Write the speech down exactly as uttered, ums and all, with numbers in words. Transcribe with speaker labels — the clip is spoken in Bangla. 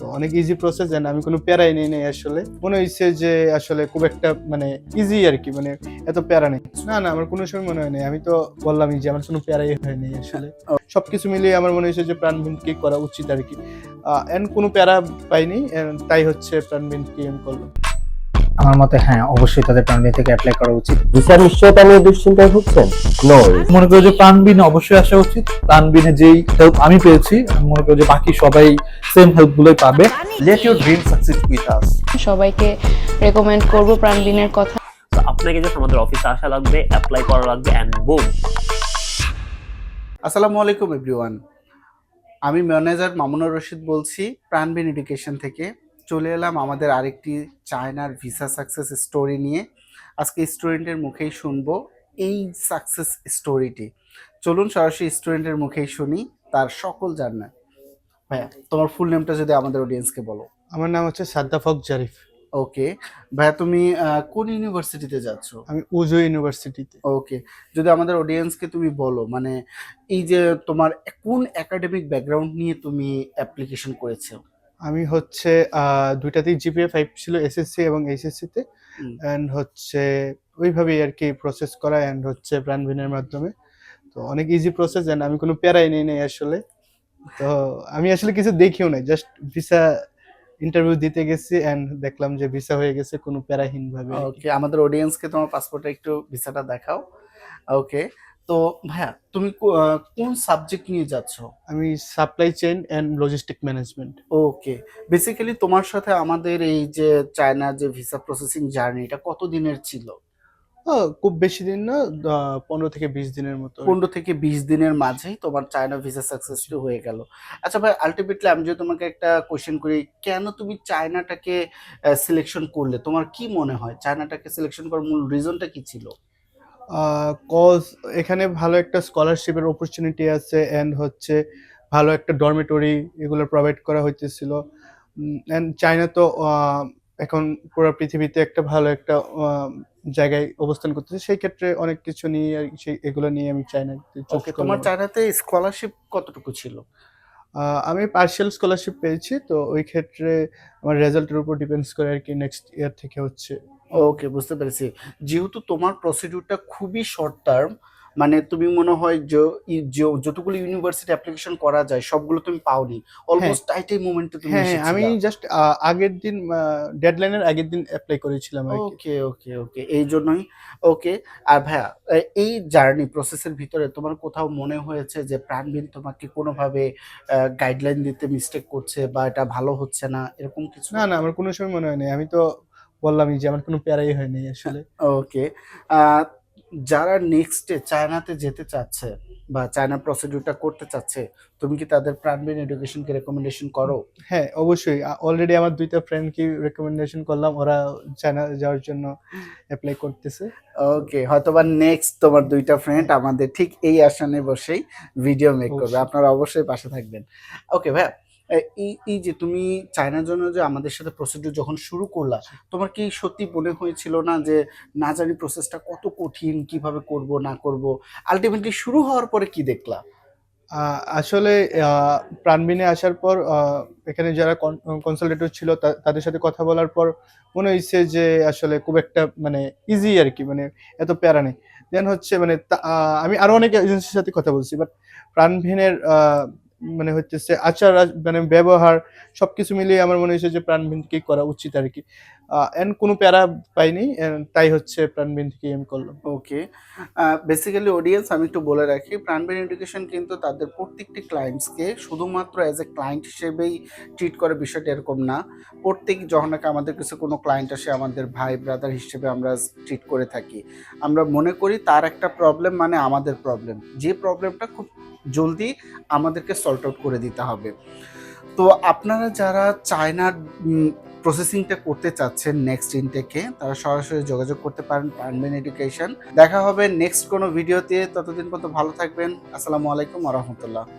Speaker 1: অনেক ইজি প্রসেস এন্ড আমি কোনো প্যারাই নেই নাই আসলে। মনে হইছে যে আসলে খুব একটা মানে ইজি আরকি, মানে এত প্যারা নেই। না, না আমার কোনো সময় মনে হয় নাই। আমি তো বললামই যে আমার কোনো প্যারাই হয় নাই আসলে। সবকিছু মিলিয়ে আমার মনে হয়েছে যে প্রাণবিনকে করা উচিত আরকি। আ এন্ড কোনো প্যারা পাইনি এন্ড তাই হচ্ছে প্রাণবিনকে আমি করলাম।
Speaker 2: আমার মতে হ্যাঁ, অবশ্যই তাদের প্রাণবিন থেকে এপ্লাই করা উচিত।
Speaker 3: ভিসার নিশ্চয়তা নিয়ে দুশ্চিন্তায় ভুগছেন? নো,
Speaker 4: মনে করি যে প্রাণবিনে অবশ্যই আসা উচিত। প্রাণবিনে যেই হেল্প আমি পেয়েছি, আমি মনে করি যে বাকি সবাই সেম হেল্প গুলোই পাবে।
Speaker 5: Let your dream succeed with us.
Speaker 6: সবাইকে রেকমেন্ড করব প্রাণবিনের কথা।
Speaker 3: তো আপনাকে জাস্ট আমাদের অফিসে আসা লাগবে, অ্যাপ্লাই করা লাগবে এন্ড বুম।
Speaker 5: আসসালামু আলাইকুম এভরিওয়ান, আমি ম্যানেজার মামুনুর রশিদ বলছি প্রাণবিন এডুকেশন থেকে। চলে এলাম আমাদের আরেকটি চায়নার ভিসা সাকসেস স্টোরি নিয়ে। আজকে স্টুডেন্টের মুখেই শুনবো এই সাকসেস স্টোরিটি। চলুন সরাসরি স্টুডেন্টের মুখেই শুনি তার সকল জানা। ভাইয়া, তোমার ফুল নেমটা যদি আমাদের অডিয়েন্সকে বলো।
Speaker 1: আমার নাম হচ্ছে সাদ্দাফক জারিফ।
Speaker 5: ওকে ভাইয়া, তুমি আহ, কোন ইউনিভার্সিটিতে যাচ্ছ?
Speaker 1: আমি উজু ইউনিভার্সিটিতে।
Speaker 5: ওকে, যদি আমাদের অডিয়েন্সকে তুমি বলো, মানে এই যে তোমার কোন একাডেমিক ব্যাকগ্রাউন্ড নিয়ে তুমি অ্যাপ্লিকেশন করেছো?
Speaker 1: আমি হচ্ছে আহ, দুইটাতেই জিপিএ ফাইভ ছিল, এসএসসি এবং এইচএসসি তে।
Speaker 5: হুম।
Speaker 1: অ্যান্ড হচ্ছে ওইভাবেই আর কি প্রসেস করা অ্যান্ড হচ্ছে প্রাণবিনের মাধ্যমে। তো অনেক ইজি প্রসেস অ্যান্ড আমি কোনো প্যারাই নেই নাই আসলে। তো আমি আসলে কিছু দেখিও নাই, জাস্ট ভিসা ইন্টারভিউ দিতে গেছি অ্যান্ড দেখলাম যে ভিসা হয়ে গেছে কোনো প্যারাহীন ভাবে আর কি।
Speaker 5: ওকে, আমাদের অডিয়েন্সকে তোমার পাসপোর্টে একটু ভিসাটা দেখাও। ওকে, তো ভাইয়া তুমি কো- আহ, কোন সাবজেক্ট নিয়ে যাচ্ছ?
Speaker 1: আমি supply chain and logistic management.
Speaker 5: Okay, basically তোমার সাথে আমাদের এই যে চায়না যে ভিসা প্রসেসিং জার্নি, এটা কত দিনের ছিল?
Speaker 1: খুব বেশি দিন না, আহ, পনেরো থেকে বিশ দিনের মতো আর কি।
Speaker 5: পনেরো থেকে বিশ দিনের মাঝেই তোমার চায়না ভিসা সাকসেসফুল হয়ে গেল। আচ্ছা ভাই, আলটিমেটলি আমি যদি তোমাকে একটা কোশ্চেন করি, কেন তুমি চায়নাটাকে সিলেকশন করলে? তোমার কি মনে হয় চায়নাটাকে সিলেকশন করার মূল রিজনটা কি ছিল?
Speaker 1: কজ এখানে ভালো একটা স্কলারশিপের অপরচুনিটি আছে অ্যান্ড হচ্ছে ভালো একটা ডরমেটরি এগুলো প্রোভাইড করা হইতেছিল। অ্যান্ড চায়না তো আহ, এখন পুরো পৃথিবীতে একটা ভালো একটা আহ, জায়গায় অবস্থান করতেছে, সেই ক্ষেত্রে অনেক কিছু নিয়ে আর কি, সেই এগুলো নিয়ে আমি চায়নাতে চুজ
Speaker 5: ওকে,
Speaker 1: করলাম।
Speaker 5: তোমার চায়নাতে স্কলারশিপ কতটুকু ছিল?
Speaker 1: আহ, আমি পার্শিয়াল স্কলারশিপ পেয়েছি, তো ওই ক্ষেত্রে আমার রেজাল্টের উপর ডিপেন্ডস করে আর কি নেক্সট ইয়ার থেকে হচ্ছে।
Speaker 5: ওকে, বুঝতে পেরেছি। যেহেতু তোমার প্রসিডিউরটা খুবই শর্ট টার্ম, মানে তুমি মনে হয় যে ই- যে- যতগুলো ইউনিভার্সিটি অ্যাপ্লিকেশন করা যায় সবগুলো তুমি পাওনি, অলমোস্ট টাইটেই মোমেন্টে তুমি
Speaker 1: হ্যাঁ হ্যাঁ, আমি
Speaker 5: এসেছিলা।
Speaker 1: জাস্ট আগের দিন ডেডলাইনের আগের দিন অ্যাপ্লাই করেছিলাম আর কি।
Speaker 5: ওকে ওকে ওকে, এই জন্যই। ওকে, আর ভাইয়া, এ- এই জার্নি প্রসেসের ভিতরে তোমার কোথাও মনে হয়েছে যে প্রাণবিন তোমাকে কোনোভাবে গাইডলাইন দিতে মিস্টেক করছে বা এটা ভালো হচ্ছে না, এরকম কিছু?
Speaker 1: না, না আমার কোনো সময় মনে হয় নাই। আমি তো বললামই যে আমার কোনো প্যারাই হয় নাই আসলে।
Speaker 5: ওকে, যারা নেক্সটে চায়নাতে যেতে চাচ্ছে বা চায়না প্রসিডিউরটা করতে চাচ্ছে, তুমি কি তাদের প্রাণবিন এডুকেশনকে রেকমেন্ডেশন করো?
Speaker 1: হ্যাঁ, অবশ্যই। অলরেডি আমার দুইটা ফ্রেন্ডকে রেকমেন্ডেশন করলাম, ওরা চায়না যাওয়ার জন্য এপ্লাই করতেছে।
Speaker 5: ওকে, হয়তোবা নেক্সট তোমার দুইটা ফ্রেন্ড আমাদের ঠিক এই আসনে বসেই ভিডিও মেক করবে,
Speaker 1: অবশ্যই।
Speaker 5: আপনারা অবশ্যই পাশে থাকবেন। ওকে ভাইয়া, এ- এই এই যে তুমি চায়নার জন্য যে আমাদের সাথে প্রসিডিউর যখন শুরু করলা, তোমার কি সত্যি মনে হয়েছিল না যে না জানি প্রসেসটা কত কঠিন, কিভাবে করব না করব? আলটিমেটলি শুরু হওয়ার পরে কি দেখলা?
Speaker 1: আহ, আসলে আহ, প্রাণবিনে আসার পর আহ, এখানে যারা কনসালটেটর ছিল তা- তাদের সাথে কথা বলার পর মনে হয়েছে যে আসলে খুব একটা মানে ইজি আর কি, মানে এত প্যারা নেই। দেন হচ্ছে মানে তা- আহ, আমি আরো অনেক এজেন্সির সাথে কথা বলছি, বাট প্রাণবিনের আহ, মানে হচ্ছে আচার আচ- মানে ব্যবহার সবকিছু মিলিয়ে আমার মনে হয়েছে যে প্রাণবিনকে করা উচিত আর কি। এন্ড কোনো প্যারা পাইনি and তাই হচ্ছে প্রাণবিন থেকে আমি করলাম।
Speaker 5: ওকে, বেসিক্যালি অডিয়েন্স আমি একটু বলে রাখি, প্রাণবিন এডুকেশন কিন্তু তাদের প্রত্যেকটি ক্লায়েন্টসকে শুধুমাত্র অ্যাজ এ ক্লায়েন্ট হিসেবেই ট্রিট করে, বিষয়টা এরকম না। প্রত্যেক যখন নাকি আমাদের কাছে কোনো ক্লায়েন্ট আসে, আমাদের ভাই ব্রাদার হিসেবে আমরা ট্রিট করে থাকি। আমরা মনে করি তার একটা প্রবলেম মানে আমাদের প্রবলেম, যে প্রবলেমটা খুব জলদি আমাদেরকে সল্ট আউট করে দিতে হবে। তো আপনারা যারা চায়নার প্রসেসিংটা করতে চাচ্ছেন নেক্সট ইনটেকে, তারা সরাসরি যোগাযোগ করতে পারেন প্রাণবিন এডুকেশন। দেখা হবে নেক্সট কোনো ভিডিওতে, ততদিন পর্যন্ত ভালো থাকবেন। আসসালামু আলাইকুম ওয়া রাহমাতুল্লাহ।